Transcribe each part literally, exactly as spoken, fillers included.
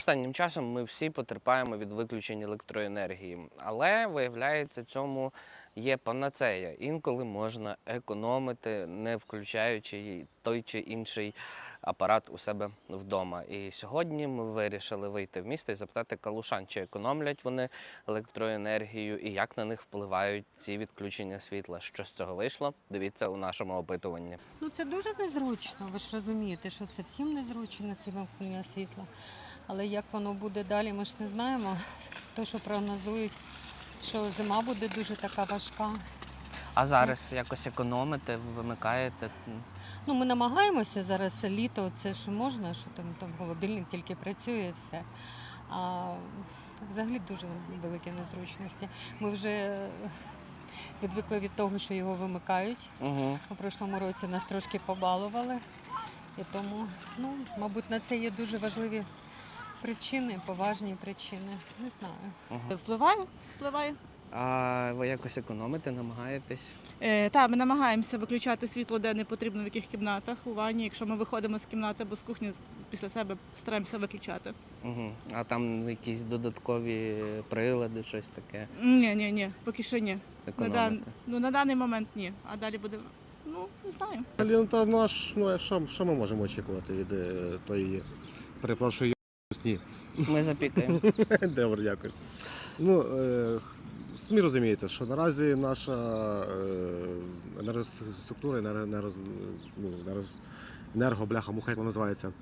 Останнім часом ми всі потерпаємо від виключень електроенергії, але, виявляється, цьому є панацея. Інколи можна економити, не включаючи той чи інший апарат у себе вдома. І сьогодні ми вирішили вийти в місто і запитати калушан, чи економлять вони електроенергію і як на них впливають ці відключення світла. Що з цього вийшло? Дивіться у нашому опитуванні. Ну це дуже незручно, ви ж розумієте, що це всім незручно, ці вимкнення світла. Але як воно буде далі, ми ж не знаємо. То, що прогнозують, що зима буде дуже така важка. А зараз якось економите, вимикаєте? Ну, ми намагаємося зараз літо, це ж можна, що там, там холодильник тільки працює і все. А взагалі дуже великі незручності. Ми вже відвикли від того, що його вимикають. Угу. У прошлому році нас трошки побалували. І тому, ну, мабуть, на це є дуже важливі причини, поважні причини. Не знаю. Угу. Впливає, впливає. А ви якось економите, намагаєтесь? Е, так, ми намагаємося виключати світло, де не потрібно, в яких кімнатах, у ванні. Якщо ми виходимо з кімнати або з кухні, після себе стараємося виключати. Угу. А там якісь додаткові прилади, щось таке? Ні, ні, ні, поки що ні. На, дан... Економите? ну, на даний момент ні. А далі буде, ну, не знаю. Ну, та, ну, а ж, ну, а що, що ми можемо очікувати від е, тої, перепрошую, сні? Ми запікаємо. Добре, дякую. Ну, е, самі розумієте, що наразі наша е, енергоструктура, енерго, енерго, ну, енерго, енергобляха, муха, як вона називається,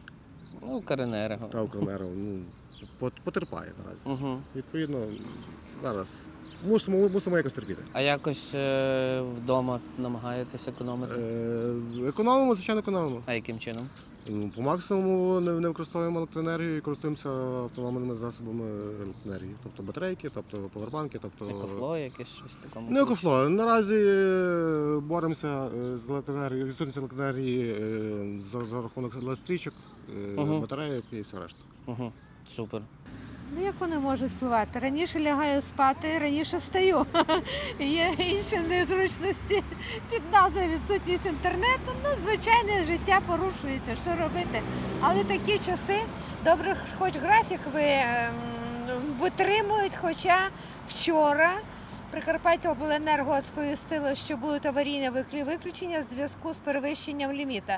Ну, Укренерго. та Укренерго, ну, пот- потерпає наразі. Угу. Відповідно, зараз мусимо, мусимо якось терпіти. А якось е, вдома намагаєтесь економити? Е, економимо, звичайно, економимо. А яким чином? Ну, по максимуму не, не використовуємо електроенергію і користуємося автономними засобами електроенергії. Тобто батарейки, тобто повербанки, тобто. Екофло, якесь щось такому? Не екофло. Наразі е, боремося е, з електроенергією, відсутністю електроенергії е, за, за рахунок електричок, е, Мгм. батарейок і все решта. Угу. Супер. Ну, як вони можуть впливати? Раніше лягаю спати, раніше встаю. Є інші незручності під назвою відсутність інтернету. Ну, звичайне життя порушується, що робити. Але такі часи, добре, хоч графік ви, ем, витримують, хоча вчора Прикарпаттяобленерго сповістило, що будуть аварійні виключення в зв'язку з перевищенням ліміта.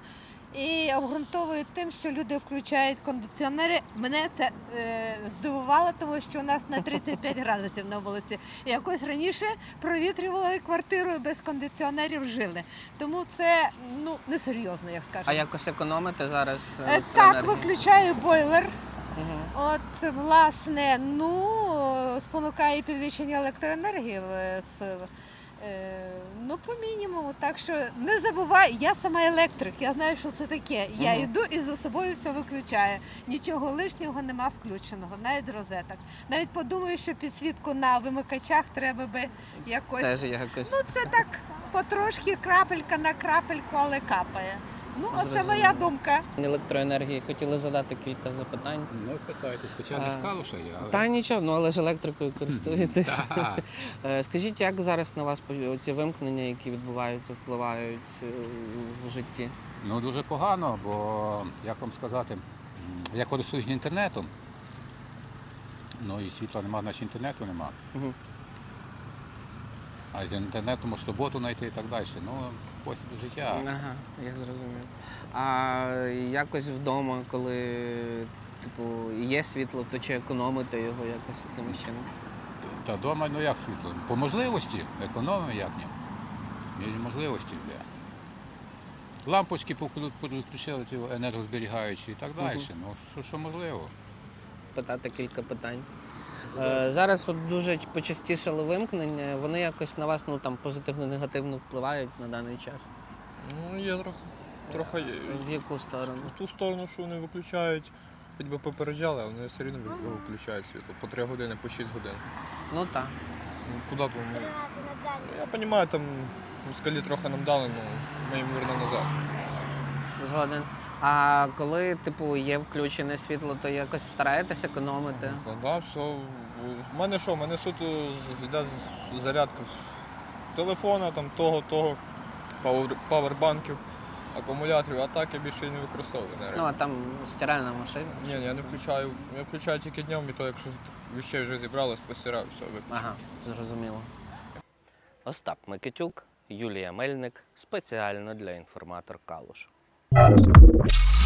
І обґрунтовують тим, що люди включають кондиціонери. Мене це е, здивувало, тому що у нас на тридцять п'ять градусів на вулиці. І якось раніше провітрювали квартиру і без кондиціонерів жили. Тому це ну несерйозно, як скажемо. А якось економите зараз Е, електроенергію? Так, виключаю бойлер. Угу. От, власне, ну, спонукає підвищення електроенергії. е, з, е, Ну, по мінімуму. Так що не забувай, я сама електрик, я знаю, що це таке. Я Мгм. йду і за собою все виключаю. Нічого лишнього нема включеного, навіть з розеток. Навіть подумаю, що підсвітку на вимикачах треба би якось. Теж якось. Ну, це так потрошки, крапелька на крапельку, але капає. Ну, оце Зрозуміло. моя думка. Електроенергії хотіли задати кілька запитань. Ну, питайтесь, хоча не А, з Калуша я, але... Та нічого, ну але ж електрикою користуєтесь. Так. Е, Скажіть, як зараз на вас по- ці вимкнення, які відбуваються, впливають е, в житті? Ну, дуже погано, бо, як вам сказати, м, я користуюсь інтернетом, ну і світла нема, значить інтернету нема. Угу. А з інтернету можеш роботу знайти і так далі. Ну, спосіб життя. Ага, я зрозумів. А якось вдома, коли типу, є світло, то чи економите його якось якимось чином? Та вдома, ну як світло? По можливості, економимо як ні. Мірі можливості для. Лампочки поклю- підключили ті енергозберігаючі і так далі. Мгм. Ну, що, що можливо. Питати кілька питань. Е, Зараз от дуже почастішали вимкнення, вони якось на вас ну, там, позитивно-негативно впливають на даний час? Ну, є трохи. Трохи є. В яку сторону? В ту сторону, що вони виключають, хоч би попереджали, а вони все одно ви- виключають світло. По три години, по шість годин. Ну так. Ну, куди там? Ну, я розумію, там москалі трохи нам дали, але ми їм вернемо назад. Згоден. А коли типу, є включене світло, то якось стараєтесь економити? Ну, да, все. У мене що, у мене суто з- йде з- зарядка телефона, там, того, того, пауер- павербанків. акумуляторів, а так я більше і не використовую енергію. Ну, а там стиральна машина. Ні, ні, я не включаю. Я включаю тільки днем, і то, якщо віщей вже зібралось, постираю, все, виключу. Ага, зрозуміло. Остап Микитюк, Юлія Мельник, спеціально для інформатор Калуш.